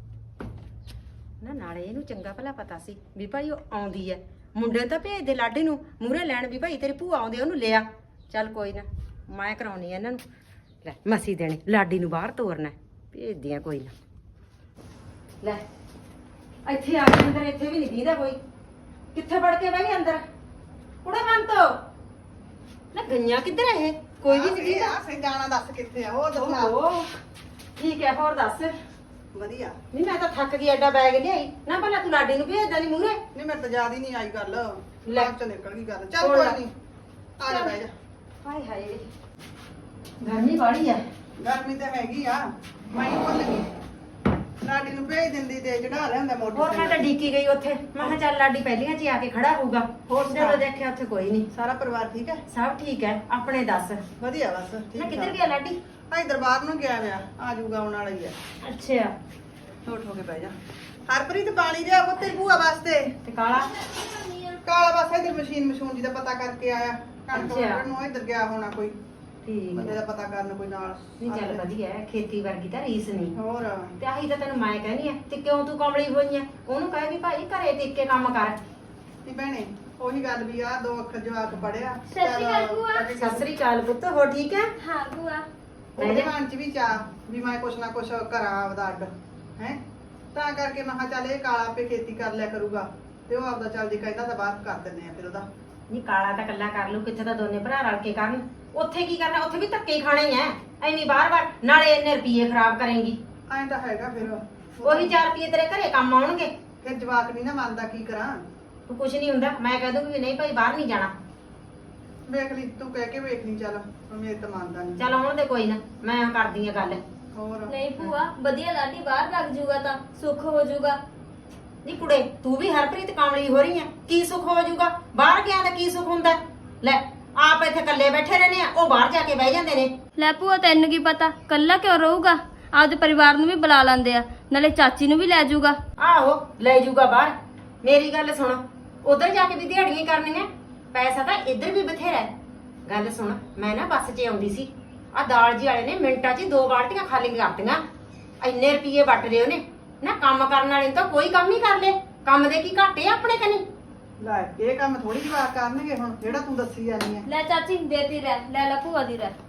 S6: ਨਾ, ਨਾਲੇ ਇਹਨੂੰ ਚੰਗਾ ਭਲਾ ਪਤਾ ਸੀ ਵੀ ਭਾਈ ਉਹ ਆਉਂਦੀ ਐ। ਮੁੰਡੇ ਨੂੰ ਤਾਂ ਭੇਜ ਦੇ ਲਾਡੀ ਨੂੰ ਮੂਹਰੇ ਲੈਣ ਵੀ ਭਾਈ ਤੇਰੀ ਭੂਆ ਆਉਂਦੀ, ਉਹਨੂੰ ਲਿਆ। ਚੱਲ ਕੋਈ ਨਾ, ਮੈਂ ਕਰਾਉਣੀ ਆ ਇਹਨਾਂ ਨੂੰ। ਲੈ ਮਸੀ ਦੇਣੀ, ਲਾਡੀ ਨੂੰ ਬਾਹਰ ਤੋਰਨਾ, ਭੇਜਦੀ ਆ ਕੋਈ ਨਾ। ਲੈ ਇੱਥੇ ਆ ਕੇ ਅੰਦਰ, ਇੱਥੇ ਵੀ ਨਹੀਂ ਦੀਦਾ ਕੋਈ। ਕਿੱਥੇ ਵੜ ਕੇ ਬਹਿ ਗਈ ਅੰਦਰ? ਕੁੜਾ ਬੰਦ ਤੋਂ ਨਾ, ਗਈਆਂ ਕਿੱਧਰ ਇਹ? ਕੋਈ ਵੀ ਨਹੀਂ ਦੀਦਾ।
S2: ਸੇ ਜਾਣਾ ਦੱਸ ਕਿੱਥੇ ਆ? ਹੋਰ ਦੱਸਣਾ।
S6: ਓਹੋ ਠੀਕ ਹੈ, ਹੋਰ ਦੱਸ।
S2: ਵਧੀਆ।
S6: ਨਹੀਂ ਮੈਂ ਤਾਂ ਥੱਕ ਗਈ, ਐਡਾ ਬੈਗ ਲਿਆਈ ਨਾ। ਭਲਾ ਤੂੰ ਲਾਡੀ ਨੂੰ ਭੇਜਦਾ ਨਹੀਂ ਮੂਹਰੇ?
S2: ਨਹੀਂ ਮੇਰੇ ਤਾਂ ਯਾਦ ਹੀ ਨਹੀਂ ਆਈ ਗੱਲ,
S6: ਲੈ।
S2: ਬਾਅਦ ਚ ਨਿਕਲ ਗਈ ਗੱਲ। ਚੱਲ
S6: ਹੋਰ
S2: ਕੋਈ
S6: ਲੈ।
S2: ਨਹੀਂ, ਆ ਜਾ ਬਹਿ ਜਾ।
S6: ਹਾਏ ਹਾਏ ਗਰਮੀ ਬਾੜੀ ਆ।
S2: ਗਰਮੀ ਤਾਂ ਹੈਗੀ ਆ, ਮੈਂ ਹੀ ਭੁੱਲ ਗਈ। ਲਾਡੀ ਨੂੰ ਭੇਜ ਦਿੰਦੀ ਤੇ ਚੜਾ ਲਿਆਂਦਾ
S6: ਹੋਰ ਮੈਂ ਤਾਂ
S2: ਮੋਟਰਸਾਈਕਲ।
S6: ਡੀਕੀ ਗਈ ਉੱਥੇ, ਮੈਂ ਕਿਹਾ ਚੱਲ ਲਾਡੀ ਪਹਿਲੀਆਂ ਚ ਹੀ ਆ ਕੇ ਖੜਾ ਹੋਊਗਾ।
S2: ਹੋਰ ਸੁਣਾ।
S6: ਜਦੋਂ ਦੇਖਿਆ ਉੱਥੇ ਕੋਈ ਨਹੀਂ।
S2: ਸਾਰਾ ਪਰਿਵਾਰ ਠੀਕ ਹੈ?
S6: ਸਭ ਠੀਕ ਹੈ, ਆਪਣੇ ਦੱਸ।
S2: ਵਧੀਆ ਬਸ
S6: ਨਾ
S2: ਠੀਕ
S6: ਕਿੱਧਰ ਗਿਆ ਲਾਡੀ?
S2: ਭਾਈ ਦਰਬਾਰ ਨੂੰ ਗਿਆ ਵਿਆ, ਆ ਜਾਊਗਾ ਆਉਣ ਵਾਲਾ ਹੀ ਆ।
S6: ਅੱਛਾ
S2: ਠੋਠ ਹੋ ਕੇ ਬਹਿ ਜਾ। ਹਰਪ੍ਰੀਤ ਪਾਣੀ ਲਿਆ ਉਹ ਤੇਰੀ ਭੂਆ ਵਾਸਤੇ।
S6: ਤੇ ਕਾਲਾ?
S2: ਕਾਲਾ ਬਸ ਇਧਰ ਮਸ਼ੀਨ ਮਸ਼ੂਨ ਜੀ ਦਾ ਪਤਾ ਕਰਕੇ ਆਇਆ। ਕਣਕ
S6: ਅੱਛਾ।
S2: ਵੱਢਣ ਨੂੰ ਇਧਰ ਗਿਆ ਹੋਣਾ ਕੋਈ
S6: ਠੀਕ
S2: ਬੰਦੇ
S6: ਹੈ।
S2: ਦਾ ਪਤਾ ਕਰਨ ਕੋਈ ਨਾਲ।
S6: ਨਹੀਂ ਚੱਲ ਵਧੀਆ ਹੈ, ਖੇਤੀ ਵਰਗੀ ਤਾਂ ਰੀਸ ਨਹੀਂ।
S2: ਹੋਰ
S6: ਤੇ ਆਹੀ ਤਾਂ ਤੈਨੂੰ ਮੈਂ ਕਹਿੰਦੀ ਆ, ਤੇ ਕਿਉਂ ਤੂੰ ਕਮਲੀ ਹੋਈ ਆ? ਉਹਨੂੰ ਕਹੇ ਵੀ ਭਾਈ ਘਰੇ ਟਿਕ ਕੇ ਕੰਮ ਕਰ।
S2: ਤੀ ਭੈਣੇ ਉਹੀ ਗੱਲ ਵੀ ਆ, ਦੋ ਅੱਖਰ ਜਵਾਕ ਪੜਿਆ।
S4: ਸਤਿ ਸ਼੍ਰੀ ਅਕਾਲ ਭੂਆ।
S6: ਸਤਿ ਸ੍ਰੀ ਅਕਾਲ ਪੁੱਤ, ਹੋ ਠੀਕ ਹੈ?
S4: ਹਾਂ ਭੂਆ।
S2: ਉਹਦੇ ਮਨ ਚ ਵੀ ਚਾਹ ਵੀ ਮੈਂ ਕੁਛ ਨਾ ਕੁਛ ਕਰਾਂ ਆਪਦਾ ਅੱਡ ਹੈ, ਤਾਂ ਕਰਕੇ ਮੈਂ ਕਿਹਾ ਚੱਲ ਇਹ ਕਾਲਾ ਆਪੇ ਖੇਤੀ ਕਰ ਲਿਆ ਕਰੂਗਾ, ਤੇ ਉਹ ਆਪਦਾ ਚੱਲ ਜੇ ਕਹਿੰਦਾ ਤਾਂ ਬਾਹਰ ਕਰ ਦਿੰਦੇ ਆ ਫਿਰ ਉਹਦਾ।
S6: ਨਹੀਂ ਕਾਲਾ ਤਾਂ ਕੱਲਾ ਕਰ ਲੂ, ਕਿੱਥੇ ਤਾਂ ਦੋਨੇ ਭਰਾ ਰਲ ਕੇ ਕਰਨ। ਉੱਥੇ ਕੀ ਕਰਨਾ? ਉੱਥੇ ਵੀ ਧੱਕੇ ਹੀ ਖਾਣੇ ਹੀ ਐ, ਐਵੇਂ ਬਾਰ-ਬਾਰ। ਨਾਲੇ ਇੰਨੇ ਰੁਪਏ ਖਰਾਬ ਕਰੇਂਗੀ।
S2: ਐਂ ਤਾਂ ਹੈਗਾ ਫਿਰ
S6: ਉਹੀ ਚਾਰ ਰੁਪਏ ਤੇਰੇ ਘਰੇ ਕੰਮ ਆਉਣਗੇ।
S2: ਫਿਰ ਜਵਾਕ ਨਹੀਂ ਨਾ ਮੰਨਦਾ, ਕੀ ਕਰਾਂ?
S6: ਤੂੰ ਕੁਝ ਨਹੀਂ ਹੁੰਦਾ, ਮੈਂ ਕਹਿ ਦੂੰਗੀ ਵੀ ਨਹੀਂ ਭਾਈ ਬਾਹਰ ਨਹੀਂ ਜਾਣਾ।
S2: ਵੇਖ ਲਈ ਤੂੰ, ਕਹਿ ਕੇ ਵੇਖ ਲਈ। ਚੱਲ ਹੁਣ ਮੇਰੇ ਤਾਂ ਮੰਨਦਾ ਨਹੀਂ।
S6: ਚੱਲ ਆਉਣ ਦੇ ਕੋਈ ਨਾ, ਮੈਂ ਕਰਦੀ ਆ ਗੱਲ।
S2: ਹੋਰ
S4: ਨਹੀਂ ਭੂਆ, ਵਧੀਆ ਲਾਡੀ ਬਾਹਰ ਲੱਗ ਜੂਗਾ ਤਾਂ ਸੁੱਖ ਹੋ ਜੂਗਾ।
S6: ਨਹੀਂ ਕੁੜੇ, ਤੂੰ ਵੀ ਹਰਪ੍ਰੀਤ ਕਾਮਲੀ ਹੋ ਰਹੀ ਆ। ਕੀ ਸੁੱਖ ਹੋ ਜਾਊਗਾ? ਬਾਹਰ ਗਿਆ ਤਾਂ ਕੀ ਸੁੱਖ ਹੁੰਦਾ? ਲੈ ਆਪ ਇੱਥੇ ਇਕੱਲੇ ਬੈਠੇ ਰਹਿੰਦੇ ਆ, ਉਹ ਬਾਹਰ ਜਾ ਕੇ ਬਹਿ ਜਾਂਦੇ ਨੇ।
S4: ਲੈ ਭੂਆ ਤੈਨੂੰ ਕੀ ਪਤਾ, ਕੱਲਾ ਕਿਉਂ ਰਹੂਗਾ? ਆਪਦੇ ਪਰਿਵਾਰ ਨੂੰ ਵੀ ਬੁਲਾ ਲੈਂਦੇ ਆ, ਨਾਲੇ ਚਾਚੀ ਨੂੰ ਵੀ ਲੈ ਜੂਗਾ।
S6: ਆਹੋ ਲੈ ਜੂਗਾ ਬਾਹਰ। ਮੇਰੀ ਗੱਲ ਸੁਣ, ਉਧਰ ਜਾ ਕੇ ਵੀ ਦਿਹਾੜੀਆਂ ਕਰਨੀਆਂ, ਪੈਸਾ ਤਾਂ ਇੱਧਰ ਵੀ ਬਥੇਰਾ ਹੈ। ਗੱਲ ਸੁਣ, ਮੈਂ ਨਾ ਬੱਸ 'ਚ ਆਉਂਦੀ ਸੀ, ਆ ਦਾਲ ਜੀ ਵਾਲੇ ਨੇ ਮਿੰਟਾਂ 'ਚ ਹੀ ਦੋ ਬਾਲਟੀਆਂ ਖਾਲੀ ਕਰਤੀਆਂ। ਇੰਨੇ ਰੁਪਏ ਵੱਟ ਰਹੇ ਉਹਨੇ ਨਾ। ਕੰਮ ਕਰਨ ਵਾਲੇ ਨੂੰ ਤਾਂ ਕੋਈ ਕੰਮ ਹੀ ਕਰ ਲੇ, ਕੰਮ ਦੇ ਕੀ ਘਾਟੇ ਆ ਆਪਣੇ ਕਨੀ।
S2: ਲੈ ਇਹ ਕੰਮ ਥੋੜੀ ਜਵਾਕ ਕਰਨਗੇ ਹੁਣ, ਜਿਹੜਾ ਤੂੰ ਦੱਸੀ ਜਾਂਦੀ ਆ।
S4: ਲੈ ਚਾਚੀ ਦੇਤੀ ਰਹਿ, ਲੈ ਲੈ ਭੂਆ ਦੀ ਰਹਿ।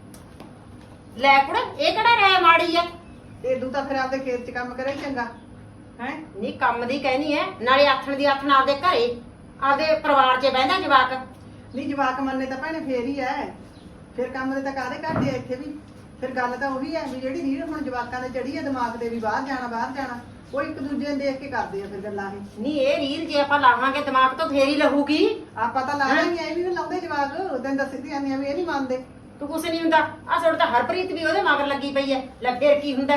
S6: ਲੈ ਕੁੜੇ, ਇਹ ਕਿਹੜਾ ਰਾਇ ਮਾੜੀ ਆ?
S2: ਏਦੂ ਤਾਂ ਫਿਰ ਆਪਦੇ ਖੇਤ 'ਚ ਕੰਮ ਕਰੇ ਚੰਗਾ ਹੈ।
S6: ਨਹੀਂ ਕੰਮ ਦੀ ਕਹਿਨੀ ਐ, ਨਾਲੇ ਆਥਣ ਦੀ ਆਥਣ ਆਪਦੇ ਘਰੇ ਆਪਦੇ ਪਰਿਵਾਰ 'ਚ ਬਹਿੰਦਾ ਜਵਾਕ।
S2: ਨਹੀਂ ਜਵਾਕ ਮੰਨੇ ਤਾਂ ਭੈਣੇ ਫੇਰ ਹੀ ਐ, ਫਿਰ ਕੰਮ ਦੇ ਤਾਂ ਕਾਹਦੇ ਘਾਟੇ ਆ ਇੱਥੇ ਵੀ। ਫਿਰ ਗੱਲ ਤਾਂ ਉਹੀ ਐ ਵੀ ਜਿਹੜੀ ਰੀੜ ਹੁਣ ਜਵਾਕਾਂ ਦੇ ਚੜੀ ਐ ਦਿਮਾਗ ਤੇ ਵੀ ਬਾਹਰ ਜਾਣਾ ਬਾਹਰ ਜਾਣਾ, ਉਹ ਇੱਕ ਦੂਜੇ ਨੂੰ ਦੇਖ ਕੇ ਕਰਦੇ ਆ ਫਿਰ ਗੱਲਾਂ ਇਹ।
S6: ਨਹੀਂ ਇਹ ਰੀਲ ਜੇ ਆਪਾਂ ਲਾਵਾਂਗੇ ਦਿਮਾਗ ਤੋਂ ਫੇਰ ਹੀ ਲਹੂਗੀ।
S2: ਆਪਾਂ ਤਾਂ ਲਾਣਾ ਹੀ ਐ ਵੀ ਨਾ ਲਾਉਂਦੇ ਜਵਾਕ ਤੈਨੂੰ ਦੱਸਦੀ ਆਨੀ ਆ ਵੀ ਇਹ ਨਹੀਂ ਮੰਨਦੇ।
S6: ਤੂੰ ਕੁਛ ਨਹੀਂ ਹੁੰਦਾ ਆ ਸੁਣ ਤਾਂ ਹਰਪ੍ਰੀਤ ਵੀ ਉਹਦੇ ਮਗਰ ਲੱਗੀ ਪਈ ਐ ਲੈ ਫੇਰ ਕੀ ਹੁੰਦਾ।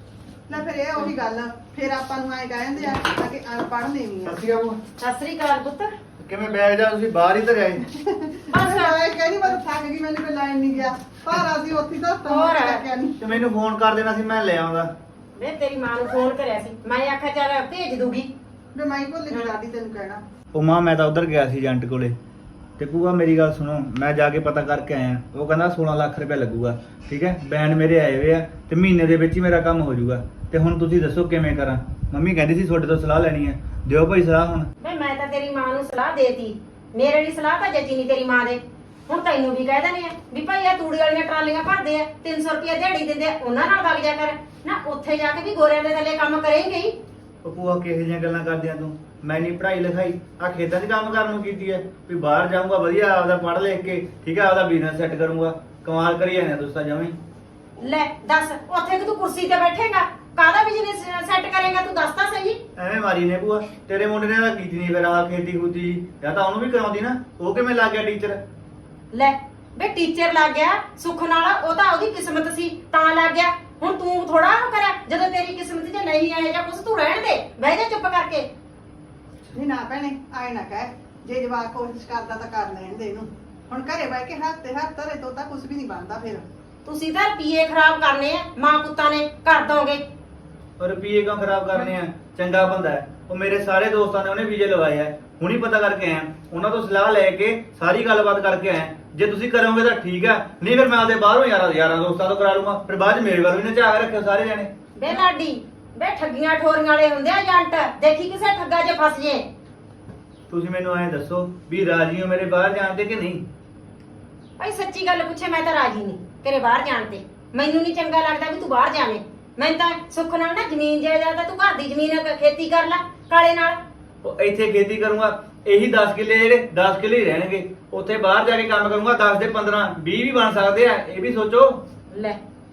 S2: ਲੈ ਫਿਰ ਇਹ ਉਹੀ ਗੱਲ ਫਿਰ ਆਪਾਂ ਨੂੰ ਐ ਕਹਿੰਦੇ ਆ ਕਿ ਅਨਪੜ੍ਹ ਨੇ ਵੀ ਆ।
S1: ਸੱਚੀ ਆਬੂ
S6: ਸਤਿ ਸ੍ਰੀ ਅਕਾਲ ਪੁੱਤ।
S1: ਕਿਵੇਂ ਬੈਠ ਜਾ ਤੁਸੀਂ ਬਾਹਰ ਹੀ ਧਰਿਆ ਸੀ।
S6: ਬਸ
S2: ਮੈਂ ਕਹਿੰਦੀ ਮੈਂ ਤਾਂ ਥੱਕ ਗਈ ਮੈਨੂੰ ਕੋਈ ਲਾਈਨ ਨਹੀਂ ਗਿਆ ਪਰ ਅਸੀਂ ਉੱਥੇ ਤਾਂ
S6: ਹੋਰ।
S2: ਤਾਂ ਨਹੀਂ।
S1: ਤੇ ਮੈਨੂੰ ਫੋਨ ਕਰ ਦੇਣਾ ਸੀ ਮੈਂ ਲੈ ਆਉਂਦਾ।
S6: ਮੈਂ ਤੇਰੀ ਮਾਂ ਨੂੰ ਫੋਨ ਕਰਿਆ ਸੀ ਮੈਂ ਆਖਿਆ ਚੱਲ ਭੇਜ ਦੂਗੀ।
S2: ਮੈਂ ਮਾਈ ਭੁੱਲ ਗਈ ਦਾਦੀ ਤੈਨੂੰ ਕਹਿਣਾ।
S1: ਉਹ ਮਾਂ ਮੈਂ ਤਾਂ ਉਧਰ ਗਿਆ ਸੀ ਏਜੰਟ ਕੋਲੇ ਤੇ ਭੂਆ ਮੇਰੀ ਗੱਲ ਸੁਣੋ ਮੈਂ ਜਾ ਕੇ ਪਤਾ ਕਰਕੇ ਆਇਆ ਉਹ ਕਹਿੰਦਾ ਸੋਲਾਂ ਲੱਖ ਰੁਪਏ ਲੱਗੂਗਾ ਠੀਕ ਹੈ ਬੈਂਡ ਮੇਰੇ ਆਏ ਹੋਏ ਆ ਤੇ ਮਹੀਨੇ ਦੇ ਵਿੱਚ ਹੀ ਮੇਰਾ ਕੰਮ ਹੋ ਜਾਊਗਾ ਤੇ ਹੁਣ ਤੁਸੀਂ ਦੱਸੋ ਕਿਵੇਂ ਕਰਾਂ ਮੰਮੀ ਕਹਿੰਦੀ ਸੀ ਤੁਹਾਡੇ ਤੋਂ ਸਲਾਹ ਲੈਣੀ ਹੈ ਦਿਓ ਭਾਈ ਸਲਾਹ ਹੁਣ।
S6: ਵੇ ਮੈਂ ਤਾਂ ਤੇਰੀ ਮਾਂ ਨੂੰ ਸਲਾਹ ਦੇਤੀ ਮੇਰੇ ਲਈ ਸਲਾਹ ਤਾਂ ਜੱਜੀ ਨਹੀਂ ਤੇਰੀ ਮਾਂ ਦੇ। ਹੁਣ ਤੈਨੂੰ ਵੀ ਕਹਿ ਦਨੇ ਆ ਵੀ ਭਾਈ ਆ ਤੂੜੀ ਵਾਲੀਆਂ ਟਰਾਲੀਆਂ ਭਰਦੇ ਆ ਤਿੰਨ ਸੌ ਰੁਪਏ ਦਿਹਾੜੀ ਦਿੰਦੇ ਆ ਉਹਨਾਂ ਨਾਲ ਵਗ ਜਾ ਕਰ ਨਾ ਉੱਥੇ ਜਾ ਕੇ ਵੀ ਗੋਰਿਆਂ ਦੇ ਥੱਲੇ ਕੰਮ ਕਰੇਂਗੇ ਹੀ।
S1: ਉਹ ਭੂਆ ਕਿਹੋ ਜਿਹੀਆਂ ਗੱਲਾਂ ਕਰਦੀਆਂ ਤੂੰ ਮੈਂ ਨਹੀਂ ਪੜ੍ਹਾਈ ਲਿਖਾਈ ਆ ਖੇਤਾਂ 'ਚ ਕੰਮ ਕਰਨ ਨੂੰ ਕੀਤੀ ਹੈ ਵੀ ਬਾਹਰ ਜਾਊਂਗਾ ਵਧੀਆ ਆਪਦਾ ਪੜ੍ਹ ਲਿਖ ਕੇ ਠੀਕ ਹੈ ਆਪਦਾ ਬਿਜ਼ਨਸ ਸੈੱਟ ਕਰੂੰਗਾ ਕਮਾਲ ਕਰੀ ਜਾਂਦੇ ਦੋਸਤਾਂ ਜਵੇਂ।
S6: ਲੈ ਦੱਸ ਉੱਥੇ ਕਿ ਤੂੰ ਕੁਰਸੀ ਤੇ ਬੈਠੇਗਾ ਕਾਹਦਾ ਬਿਜ਼ਨਸ ਸੈੱਟ ਕਰੇਗਾ ਤੂੰ ਦੱਸ ਤਾਂ ਸਹੀ।
S1: ਐਵੇਂ ਮਾਰੀ ਨੇ ਭੂਆ ਤੇਰੇ ਮੁੰਡੇ ਨੇ ਤਾਂ ਕੀਤੀ ਨਹੀਂ ਫਿਰ ਆ ਖੇਤੀ ਖੂਤੀ ਜਾਂ ਤਾਂ ਉਹਨੂੰ ਵੀ ਕਰਾਉਂਦੀ ਨਾ ਉਹ ਕਿਵੇਂ ਲੱਗ ਗਿਆ ਟੀਚਰ।
S6: ਲੈ ਵੇ ਟੀਚਰ ਲੱਗ ਗਿਆ ਸੁੱਖ ਨਾਲ ਉਹ ਤਾਂ ਉਹਦੀ ਕਿਸਮਤ ਸੀ ਤਾਂ ਲੱਗ ਗਿਆ। ਹੁਣ ਤੂੰ ਥੋੜਾ ਉਹ ਕਰਿਆ ਜਦੋਂ ਤੇਰੀ ਕਿਸਮਤ 'ਚ ਨਹੀਂ ਆਇਆ ਜਾਂ ਕੁਛ ਤੂੰ ਰਹਿਣ ਦੇ ਬਹਿ ਜਾ ਚੁੱਪ ਕਰਕੇ।
S2: ਨਹੀਂ ਨਾ ਭੈਣੇ ਆਏ ਨਾ ਕਹਿ ਜੇ ਜਵਾਕ ਕੋਸ਼ਿਸ਼ ਕਰਦਾ ਤਾਂ ਕਰ ਲੈਣ ਦੇ ਇਹਨੂੰ। ਹੁਣ ਘਰੇ ਬਹਿ ਕੇ ਹੱਥ ਤੇ ਹੱਥ ਧਰੇ ਤੋਂ ਤਾਂ ਕੁਝ ਵੀ ਨਹੀਂ ਬਣਦਾ ਫਿਰ।
S6: ਤੁਸੀਂ ਤਾਂ ਰੁਪਈਏ ਖਰਾਬ ਕਰਨੇ ਆ ਮਾਂ ਪੁੱਤਾਂ ਨੇ ਕਰ ਦੋਗੇ।
S1: ਔਰ ਰੁਪਈਏ ਕਿਉਂ ਖਰਾਬ ਕਰਨੇ ਆ ਚੰਗਾ ਬੰਦਾ ਹੈ ਉਹ ਮੇਰੇ ਸਾਰੇ ਦੋਸਤਾਂ ਨੇ ਉਹਨੇ ਵੀਜ਼ੇ ਲਵਾਏ ਆ ਹੁਣੀ ਪਤਾ ਕਰਕੇ ਆਇਆ ਉਹਨਾਂ ਤੋਂ ਸਲਾਹ ਲੈ ਕੇ ਸਾਰੀ ਗੱਲਬਾਤ ਕਰਕੇ ਆਇਆ ਜੇ ਤੁਸੀਂ ਕਰੋਗੇ ਤਾਂ ਠੀਕ ਆ ਨਹੀਂ ਫਿਰ ਮੈਂ ਆਪਦੇ ਬਾਹਰੋਂ ਯਾਰਾਂ ਯਾਰਾਂ ਦੋਸਤਾਂ ਤੋਂ ਕਰਾ ਲੂੰਗਾ ਫਿਰ ਬਾਅਦ ਚ ਮੇਰੇ ਵੱਲ ਵੀ ਨਾ ਝਾਕ ਰੱਖਿਓ ਸਾਰੇ ਜਾਣੇ।
S6: ਬੇ ਲਾਡੀ ਬੇ ਠੱਗੀਆਂ ਠੋਰੀਆਂ ਵਾਲੇ ਹੁੰਦੇ ਆ ਏਜੰਟ ਦੇਖੀ ਕਿਸੇ ਠੱਗਾ 'ਚ ਫਸ ਜੇ।
S1: ਤੁਸੀਂ ਮੈਨੂੰ ਐਂ ਦੱਸੋ ਵੀ ਰਾਜੀ ਹੋ ਮੇਰੇ ਬਾਹਰ ਜਾਣ ਤੇ ਕਿ ਨਹੀਂ।
S6: ਭਾਈ ਸੱਚੀ ਗੱਲ ਪੁੱਛੇ ਮੈਂ ਤਾਂ ਰਾਜੀ ਨਹੀਂ ਤੇਰੇ ਬਾਹਰ ਜਾਣ ਤੇ। ਮੈਨੂੰ ਨਹੀਂ ਚੰਗਾ ਲੱਗਦਾ ਵੀ ਤੂੰ ਬਾਹਰ ਜਾਵੇਂ। ਮੈਂ ਤਾਂ ਸੁੱਖ ਨਾਲ ਨਾ ਜ਼ਮੀਨ ਜਾਇਦਾਦ ਤੂੰ ਘਰ ਦੀ ਜ਼ਮੀਨ ਖੇਤੀ ਕਰ ਲੈ ਕਾਲੇ ਨਾਲ।
S1: ਉਹ ਇੱਥੇ ਖੇਤੀ ਕਰੂੰਗਾ ਇਹੀ ਦਸ ਕਿੱਲੇ ਜਿਹੜੇ ਦਸ ਕਿੱਲੇ ਹੀ ਰਹਿਣਗੇ ਉੱਥੇ ਬਾਹਰ ਜਾ ਕੇ ਕੰਮ ਕਰੂੰਗਾ ਦਸ ਦੇ ਪੰਦਰਾਂ ਵੀਹ ਵੀ ਬਣ ਸਕਦੇ ਆ ਇਹ ਵੀ ਸੋਚੋ।
S6: ਲੈ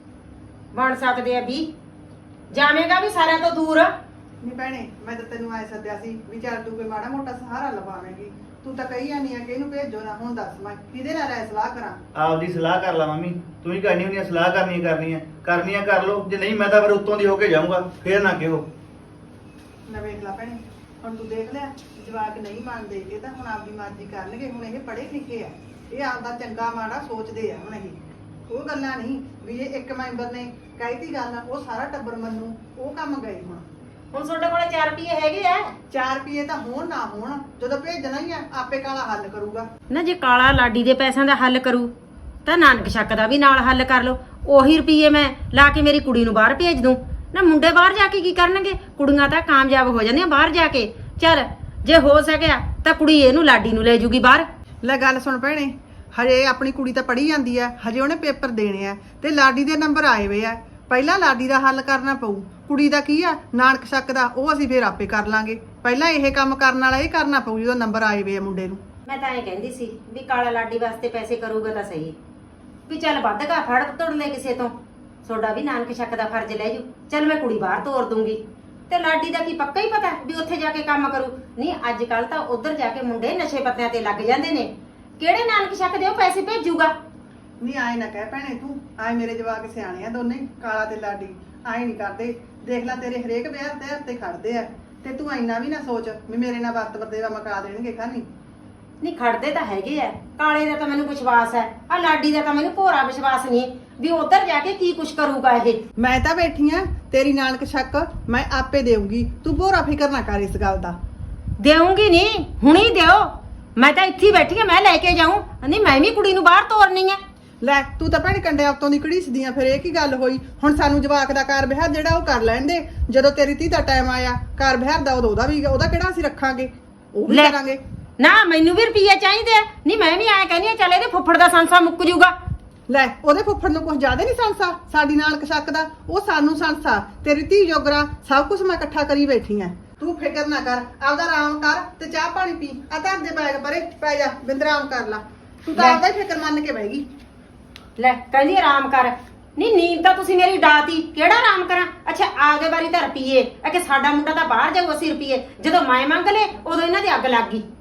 S6: ਬਣ ਸਕਦੇ ਆ ਵੀ ਜਾਵੇਂਗਾ ਵੀ ਸਾਰਿਆਂ ਤੋਂ ਦੂਰ।
S2: ਨਹੀਂ ਭੈਣੇ ਮੈਂ ਤਾਂ ਤੈਨੂੰ ਆਏ ਸੱਦਿਆ ਸੀ ਵੀ ਚੱਲ ਤੂੰ ਕੋਈ ਮਾੜਾ ਮੋਟਾ ਸਹਾਰਾ ਲਵਾਵੇਂਗੀ। ਤੂੰ ਤਾਂ ਕਹੀ ਜਾਂਦੀ ਆ ਕਿ ਇਹਨੂੰ ਭੇਜੋ ਨਾ। ਹੁਣ ਦੱਸ ਮੈਂ ਕਿਹਦੇ ਨਾਲ ਰਾਏ ਸਲਾਹ ਕਰਾਂ।
S1: ਆਪਦੀ ਸਲਾਹ ਕਰ ਲਾ ਮੰਮੀ ਤੂੰ ਹੀ ਕਰਨੀ ਹੁੰਦੀ ਆ ਸਲਾਹ ਕਰਨੀ ਕਰਨੀ ਆ ਕਰਨੀ ਆ ਕਰ ਲਓ ਜੇ ਨਹੀਂ ਮੈਂ ਤਾਂ ਫਿਰ ਉੱਤੋਂ ਦੀ ਹੋ ਕੇ ਜਾਊਂਗਾ ਫੇਰ ਨਾ ਕਿਹੋ।
S2: ਨਾ ਵੇਖ ਲੈ ਭੈਣੇ ਹੁਣ ਤੂੰ ਦੇਖ ਲਿਆ ਜਵਾਕ ਨਹੀਂ ਮੰਨਦੇ ਇਹ ਤਾਂ ਹੁਣ ਆਪਦੀ ਮਰਜ਼ੀ ਕਰਨਗੇ। ਹੁਣ ਇਹ ਪੜ੍ਹੇ ਲਿਖੇ ਆ ਇਹ ਆਪਦਾ ਚੰਗਾ ਮਾੜਾ ਸੋਚਦੇ ਆ। ਹੁਣ ਇਹ ਉਹ ਗੱਲਾਂ ਨਹੀਂ ਵੀ ਇਹ ਇੱਕ ਮੈਂਬਰ ਨੇ ਕਹਿਤੀ ਗੱਲ ਉਹ ਸਾਰਾ ਟੱਬਰ ਮੰਨੂ ਉਹ ਕੰਮ ਗਏ। ਹੁਣ
S6: ਹੁਣ ਤੁਹਾਡੇ ਕੋਲੇ ਚਾਰ ਰੁਪਏ ਹੈਗੇ ਆ।
S2: ਚਾਰ ਰੁਪਏ ਤਾਂ ਹੋਣ ਨਾ ਹੋਣ ਜਦੋਂ ਭੇਜਣਾ ਹੀ ਆ ਆਪੇ ਕਾਲਾ ਹੱਲ ਕਰੂਗਾ।
S6: ਨਾ ਜੇ ਕਾਲਾ ਲਾਡੀ ਦੇ ਪੈਸਿਆਂ ਦਾ ਹੱਲ ਕਰੂ ਤਾਂ ਨਾਨਕ ਸ਼ੱਕ ਦਾ ਵੀ ਨਾਲ ਹੱਲ ਕਰ ਲਓ। ਉਹੀ ਰੁਪਏ ਮੈਂ ਲਾ ਕੇ ਮੇਰੀ ਕੁੜੀ ਨੂੰ ਬਾਹਰ ਭੇਜ ਦੂੰ। ਨਾ ਮੁੰਡੇ ਬਾਹਰ ਜਾ ਕੇ ਕੀ ਕਰਨਗੇ ਕੁੜੀਆਂ ਤਾਂ ਕਾਮਯਾਬ ਹੋ ਜਾਂਦੀਆਂ ਬਾਹਰ ਜਾ ਕੇ। ਚੱਲ ਜੇ ਹੋ ਸਕਿਆ ਤਾਂ ਕੁੜੀ ਇਹਨੂੰ ਲਾਡੀ ਨੂੰ ਲੈ ਜੂਗੀ ਬਾਹਰ।
S2: ਲੈ ਗੱਲ ਸੁਣ ਭੈਣੇ ਹਜੇ ਆਪਣੀ ਕੁੜੀ ਤਾਂ ਪੜ੍ਹੀ ਜਾਂਦੀ ਆ ਹਜੇ ਉਹਨੇ ਪੇਪਰ ਦੇਣੇ ਆ ਤੇ ਲਾਡੀ ਦੇ ਨੰਬਰ ਆਏ ਹੋਏ ਆ। ਪਹਿਲਾਂ ਲਾਡੀ ਦਾ ਹੱਲ ਕਰਨਾ ਪਊ। ਕੁੜੀ ਦਾ ਕੀ ਆ ਨਾਨਕ ਸ਼ੱਕ ਦਾ ਉਹ ਅਸੀਂ ਫੇਰ ਆਪੇ ਕਰ ਲਾਂਗੇ। ਪਹਿਲਾਂ ਇਹ ਕੰਮ ਕਰਨ ਵਾਲਾ ਇਹ ਕਰਨਾ ਪਊ ਜਦੋਂ ਨੰਬਰ ਆਏ ਹੋਏ ਆ ਮੁੰਡੇ ਨੂੰ।
S6: ਮੈਂ ਤਾਂ ਇਹ ਕਹਿੰਦੀ ਸੀ ਵੀ ਕਾਲਾ ਲਾਡੀ ਵਾਸਤੇ ਪੈਸੇ ਕਰੂਗਾ ਤਾਂ ਸਹੀ ਵੀ ਚੱਲ ਵੱਧ ਗਾ ਫੜ ਤੋੜ ਲੈ ਕਿਸੇ ਤੋਂ ਤੁਹਾਡਾ ਵੀ ਨਾਨਕ ਸ਼ੱਕ ਦਾ ਫਰਜ਼ ਲੈ ਜੂ। ਚੱਲ ਮੈਂ ਕੁੜੀ ਬਾਹਰ ਤੋਰ ਦੂੰਗੀ ਤੇ ਲਾਡੀ ਦਾ ਕੀ ਪੱਕਾ ਹੀ ਪਤਾ ਵੀ ਉੱਥੇ ਜਾ ਕੇ ਕੰਮ ਕਰੂ। ਨਹੀਂ ਅੱਜ ਕੱਲ ਤਾਂ ਉੱਧਰ ਜਾ ਕੇ ਮੁੰਡੇ ਨਸ਼ੇ ਪੱਤਿਆਂ ਤੇ ਲੱਗ ਜਾਂਦੇ ਨੇ। ਕਿਹੜੇ ਨਾਨਕ ਸ਼ੱਕ ਦੇ ਉਹ ਪੈਸੇ ਭੇਜੂਗਾ।
S2: ਨਹੀਂ ਆਏ ਨਾ ਕਹਿ ਭੈਣੇ ਤੂੰ ਆਏ ਮੇਰੇ ਜਵਾਕ ਸਿਆਣੇ ਆ ਦੋਨੇ ਕਾਲਾ ਤੇ ਲਾਡੀ ਆਏ ਨਹੀਂ ਕਰਦੇ। ਦੇਖ ਲੈ ਤੇਰੇ ਹਰੇਕ ਵਿਆਹ ਤੇ ਹੱਥੇ ਖੜਦੇ ਆ ਤੇ ਤੂੰ ਇੰਨਾ ਵੀ ਨਾ ਸੋਚ ਵੀ ਮੇਰੇ ਨਾਲ ਵਰਤ ਵਰਤੇਵਾ ਮਕਾ ਦੇਣਗੇ ਖਾਨੀ।
S6: ਨਹੀਂ ਖੜਦੇ ਤਾਂ ਹੈਗੇ ਆ। ਕਾਲੇ ਦਾ ਤਾਂ ਮੈਨੂੰ ਵਿਸ਼ਵਾਸ ਹੈ ਆ ਲਾਡੀ ਦਾ ਤਾਂ ਮੈਨੂੰ ਭੋਰਾ ਵਿਸ਼ਵਾਸ ਨਹੀਂ ਵੀ ਉੱਧਰ ਜਾ ਕੇ ਕੀ ਕੁਛ ਕਰੂਗਾ ਇਹ।
S2: ਮੈਂ ਤਾਂ ਬੈਠੀ ਆ ਤੇਰੀ ਨਾਨਕ ਸ਼ੱਕ ਮੈਂ ਆਪੇ ਦੇਊਂਗੀ ਤੂੰ ਭੋਰਾ ਫਿਕਰ ਨਾ ਕਰ ਇਸ ਗੱਲ ਦਾ।
S6: ਦੇਊਂਗੀ ਨਹੀਂ ਹੁਣੀ ਦਿਓ ਮੈਂ ਤਾਂ ਇੱਥੇ ਬੈਠੀ ਆ ਮੈਂ ਲੈ ਕੇ ਜਾਊਂ। ਨਹੀਂ ਮੈਂ ਵੀ ਕੁੜੀ ਨੂੰ ਬਾਹਰ ਤੋਰਨੀ ਆ।
S2: ਲੈ ਤੂੰ ਤਾਂ ਭੈਣ ਕੰਡੇ ਆਪਤੋਂ ਦੀ ਘੜੀਸਦੀ ਆ ਫਿਰ ਇਹ ਕੀ ਗੱਲ ਹੋਈ। ਹੁਣ ਸਾਨੂੰ ਜਵਾਕ ਦਾ ਕਾਰ ਵਿਹਾਰ ਜਿਹੜਾ ਉਹ ਕਰ ਲੈਣ ਦੇ ਜਦੋਂ ਤੇਰੀ ਧੀ ਦਾ ਟਾਈਮ ਆਇਆ ਕਾਰ ਵਿਹਾਰ ਦਾ ਉਦੋਂ ਉਹਦਾ ਵੀ ਉਹਦਾ ਕਿਹੜਾ ਅਸੀਂ ਰੱਖਾਂਗੇ ਉਹ ਵੀ
S6: ਲੈ।
S2: ਕਰਾਂਗੇ।
S6: ਨਾ ਮੈਨੂੰ ਵੀ ਰੁਪਈਏ ਚਾਹੀਦੇ ਆ। ਨਹੀਂ ਮੈਂ ਵੀ ਐਂ ਕਹਿੰਦੀ ਆ ਚੱਲ ਇਹਦੇ ਫੁੱਫੜ ਦਾ ਸੰਸਾ ਮੁੱਕ ਜੂਗਾ।
S2: ਲੈ ਉਹਦੇ ਫੁੱਫੜ ਨੂੰ ਕੁਝ ਜ਼ਿਆਦਾ ਨਹੀਂ ਸੰਸਾ ਸਾਡੀ ਨਾਨਕ ਸ਼ੱਕ ਦਾ ਉਹ ਸਾਨੂੰ ਸੰਸਾ ਤੇਰੀ ਧੀ ਜੋਗਰਾ ਸਭ ਕੁਝ ਮੈਂ ਇਕੱਠਾ ਕਰੀ ਬੈਠੀ ਆ। ਤੂੰ ਫਿਕਰ ਨਾ ਕਰ ਆਪਦਾ ਆਰਾਮ ਕਰ ਤੇ ਚਾਹ ਪਾਣੀ ਪੀ ਆ ਧਰ ਦੇ ਬੈਗ ਪਰੇ ਪੈ ਜਾ ਬਿੰਦਰਾਮ ਕਰ ਲਾ। ਤੂੰ ਤਾਂ
S6: ਲੈ।
S2: ਆਪਦਾ ਹੀ ਫਿਕਰ ਮੰਨ ਕੇ ਬਹਿ ਗਈ।
S6: ਲੈ ਕਹਿੰਦੀ ਆਰਾਮ ਕਰ ਨਹੀਂ ਨੀਂਦ ਤਾਂ ਤੁਸੀਂ ਮੇਰੀ ਡਾਤੀ ਕਿਹੜਾ ਆਰਾਮ ਕਰਾਂ ਅੱਛਾ ਆਪਦੇ ਵਾਰੀ ਤਾਂ ਰੁਪਈਏ ਆ ਕਿ ਸਾਡਾ ਮੁੰਡਾ ਤਾਂ ਬਾਹਰ ਜਾਊ ਅਸੀਂ ਰੁਪਈਏ ਜਦੋਂ ਮੈਂ ਮੰਗ ਲਏ ਉਦੋਂ ਇਹਨਾਂ ਦੀ ਅੱਗ ਲੱਗ ਗਈ